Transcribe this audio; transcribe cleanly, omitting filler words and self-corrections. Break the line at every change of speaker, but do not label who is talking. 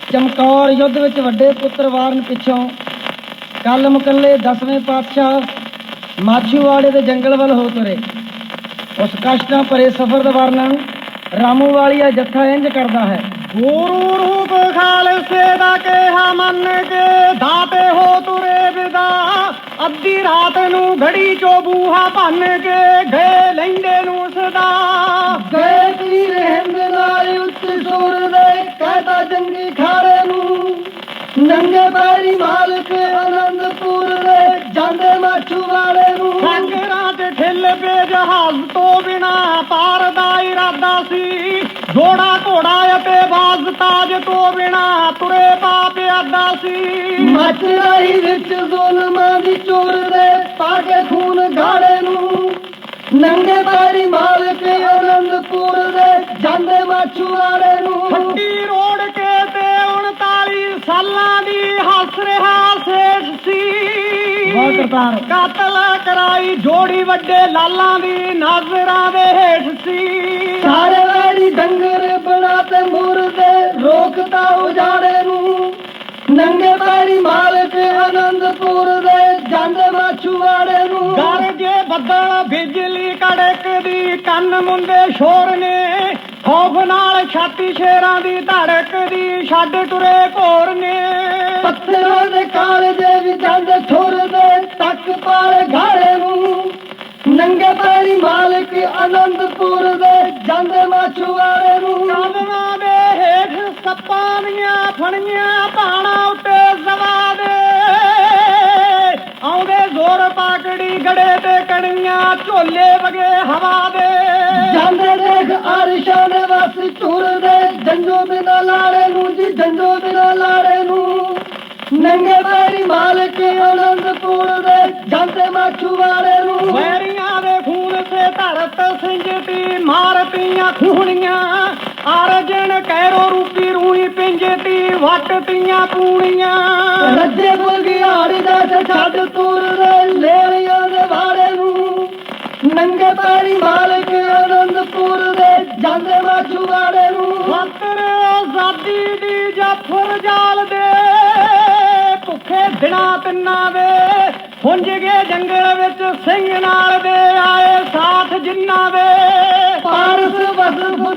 ਚਮਕੌਰ ਯੁੱਧ ਵਿੱਚ ਵੱਡੇ ਪੁੱਤਰ ਵਾਰਨ ਪਿੱਛੋਂ ਕੱਲ ਮੁਕੱਲੇ 10ਵੇਂ ਪਾਤਸ਼ਾਹ ਮਾਛੀਵਾੜੇ ਦੇ ਜੰਗਲ ਵੱਲ ਹੋ ਤੁਰੇ। ਉਸ ਕਸ਼ਟਾਂ ਭਰੇ ਸਫ਼ਰ ਦਾ ਵਰਣਨ ਰਾਮੂ ਵਾਲੀਆ ਜੱਥਾ ਇੰਝ ਕਰਦਾ ਹੈ।
ਗੁਰੂ ਰੂਪ ਖਾਲਸੇ ਦਾ ਕਿਹਾ ਮੰਨ ਕੇ ਦਾਤੇ ਹੋ ਤੁਰੇ ਵਿਦਾ। ਅੱਧੀ ਰਾਤ ਨੂੰ ਘੜੀ ਚੋਂ ਬੂਹਾ ਭੰਨ ਕੇ ਗਏ ਲੈਂਦੇ ਨੂੰ ਸਦਾ।
ਗਏ ਤੀਰ ਹਿੰਦ ਨਾਲ ਉੱਚੇ ਸੁਰ ਦੇ ਕਹਿਤਾ ਜੰਗੀ ਖਾੜੇ ਨੂੰ। ਨੰਗੇ ਪੈਰੀ ਮਾਲਕ ਆਨੰਦਪੁਰ ਦੇ ਜਾਂਦੇ ਮਾਛੂਵਾੜੇ ਨੂੰ।
ਸਾਗਰਾਂ ਤੇ ਠਿੱਲ ਪੇ ਜਹਾਜ਼ ਤੋਂ ਬਿਨਾ ਪਾਰ ਦਾ ਇਰਾਦਾ ਸੀ। ਘੋੜਾ ਘੋੜਾ ਅਤੇ ਬਾਜ਼ ਤਾਜ ਤੋਂ ਬਿਨਾ ਤੁਰੇ ਪਾਪ ਆਦਾ ਸੀ।
ਮੱਚ ਰਹੀ ਵਿੱਚ ਜ਼ੁਲਮਾਂ ਦੀ ਚੋਰ ਦੇ ਪਾ ਕੇ ਖੂਨ ਗਾੜੇ ਨੂੰ। ਨੰਗੇ ਪੈਰੀ ਮਾਲਕ ਆਨੰਦਪੁਰ ਦੇ ਜਾਂਦੇ ਮਾਛੂਵਾੜੇ ਨੂੰ।
ਖੱਟੀ ਰੋੜ ਕੇ ਤੇ 39 ਸਾਲਾਂ ਦੀ ਹੱਸ ਰਿਹਾ ਸੇਠ ਸੀ। ਕਾਤਲ ਕਰਾਈ ਜੋੜੀ ਵੱਡੇ ਲਾਲਾਂ ਦੀ ਨਜ਼ਰਾਂ ਦੇ ਹੇਠ ਸੀ।
ਸਾਰੇ ਵੈਰੀ ਡੰਗਰ ਬਣਾ ਤੇ ਮੁਰਦੇ ਰੋਕਤਾ ਉਜਾੜੇ ਨੂੰ। ਨੰਗੇ ਪੈਰੀ ਮਾਲਕ ਆਨੰਦਪੁਰ ਦੇ ਜਾਂਦੇ ਮਾਛੂਵਾੜੇ ਨੂੰ।
ਗਰਜੇ ਬੱਦਲ ਬਿਜਲੀ ਕੜਕਦੀ ਕੰਨ ਮੁੰਦੇ ਸ਼ੋਰ ਨੇ। ਖੌਫ ਨਾਲ ਛਾਤੀ ਸ਼ੇਰਾਂ ਦੀ ਧੜਕਦੀ ਛੱਡ ਤੁਰੇ ਘੋਰ ਨੇ।
ਪੱਥਰਾਂ ਦੇ ਕਾਲਜੇ ਵੀ ਜਾਂਦੇ ਠੁਰਦੇ ਤੱਕ ਪਾਲੇ ਘਾੜੇ ਨੂੰ। ਨੰਗੇ ਪੈਰੀ ਮਾਲਕ ਆਨੰਦਪੁਰ ਦੇ ਜਾਂਦੇ ਮਾਛੂਵਾੜੇ ਨੂੰ।
ਕਾਲਵਾਂ ਦੇ ਹੇਠ ਸੱਪਾਂ ਦੀਆਂ ਫਣੀਆਂ ਭਾਣਾ ਉੱਤੇ ਜ਼ਵਾ ਦੇ। ਆਉਂਦੇ ਜ਼ੋਰ ਪਾਕੜੀ ਗੜੇ ਤੇ ਕਣੀਆਂ ਝੋਲੇ ਵਗੇ ਹਵਾ ਦੇ।
ਜਾਂਦੇ ਦੇਖ ਅਰਸ਼ਾਂ ਦੇ ਵਸ ਤੁਰਦੇ ਜੰਜੋ ਬਿਨਾ ਲਾੜੇ ਨੂੰ ਜੀ ਜੰਜੋ ਬਿਨਾ ਲਾੜੇ ਨੂੰ। ਨੰਗੇ ਪੈਰੀ ਮਾਲਕ ਆਨੰਦਪੁਰ ਦੇ ਜਾਂਦੇ ਮਾਛੂਵਾੜੇ ਨੂੰ।
ਵੈਰੀਆਂ ਦੇ ਖੂਨ ਸੇ ਧਰਤ ਸਿੰਜਤੀ ਮਾਰਤੀਆਂ ਖੂਣੀਆਂ। ਅਰਜਨ ਕੈਰੋ ਰੂਪੀ ਰੂਹੀ ਪਿੰਜਤੀ ਵੱਟਤੀਆਂ ਪੂਣੀਆਂ।
ਰੱਜੇ ਬੁਲਗਿਆੜੀ ਦਾ ਛੱਡ ਤੁਰਦੇ ਲੇਲੀਆਂ ਦੇ ਵਾੜੇ ਨੂੰ। ਨੰਗੇ ਪੈਰੀ ਮਾਲਕ ਆਨੰਦਪੁਰ ਦੇ ਜਾਂਦੇ ਮਾਛੂਵਾੜੇ ਨੂੰ।
ਖਾਤਰ ਆਜ਼ਾਦੀ ਦੀ ਜਾਫਰ ਜਾਲ ਦੇ ਭੁੱਖੇ ਦਿਨਾਂ ਤਿੰਨਾਂ ਦੇ ਹੁੰਜ ਗਏ ਜੰਗਲ ਵਿੱਚ ਸਿੰਘ ਨਾਲ ਦੇ ਆਏ ਸਾਥ ਜਿੰਨਾਂ ਦੇ।
ਪਾਰਸ ਵਸ